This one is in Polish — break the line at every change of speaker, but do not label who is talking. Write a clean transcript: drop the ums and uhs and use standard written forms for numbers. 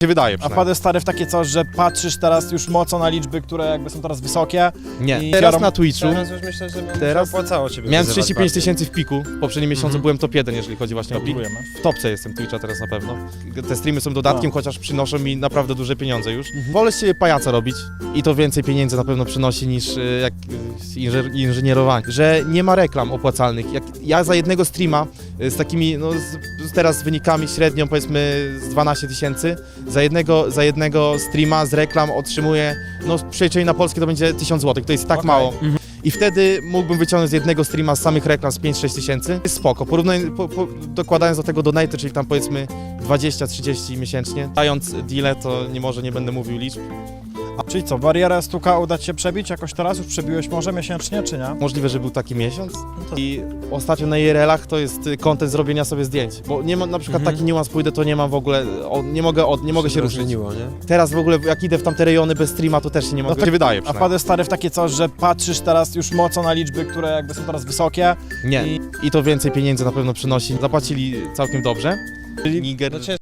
wydaje
A
przynajmniej.
wpadłeś stary w takie coś, że patrzysz teraz już mocno na liczby, które jakby są teraz wysokie?
Nie,
I
teraz
biorą-
na Twitchu
Teraz już myślę, że
Teraz
opłacało ciebie
miałem
wyzywać
35
bardziej.
tysięcy w piku. W poprzednim miesiącu byłem top 1, jeżeli chodzi właśnie o pik.
Gratulujemy.
W topce jestem Twitcha teraz na pewno. Te streamy są dodatkiem, chociaż przynoszą mi naprawdę duże pieniądze już. Wolę z siebie pajaca robić i to więcej pieniędzy na pewno przynosi niż inżynierowanie. Że nie ma reklam opłacalnych. Jak ja za jednego streama z takimi, no teraz z wynikami średnią powiedzmy z 12 tysięcy, za jednego streama z reklam otrzymuję, no w przeliczeniu na polskie to będzie 1000 zł, to jest tak mało. I wtedy mógłbym wyciągnąć z jednego streama z samych reklam z 5-6 tysięcy. Jest spoko, dokładając do tego donaty, czyli tam powiedzmy 20-30 miesięcznie. Dając deale, to nie będę mówił liczb.
Czyli co, barierę stuka uda ci się przebić jakoś teraz? Już przebiłeś może miesięcznie, czy nie?
Możliwe, że był taki miesiąc. I ostatnio na IRL-ach to jest content zrobienia sobie zdjęć. Bo nie ma, na przykład taki niuans pójdę, to nie mam w ogóle, nie mogę się ruszyć.
Rozżeniło, nie?
Teraz w ogóle jak idę w tamte rejony bez streama, to też się nie mogę.
tak,
się wydaje
A
przynajmniej.
wpadłeś stary w takie coś, że patrzysz teraz już mocno na liczby, które jakby są teraz wysokie?
Nie. I to więcej pieniędzy na pewno przynosi. Zapłacili całkiem dobrze. Niger.
No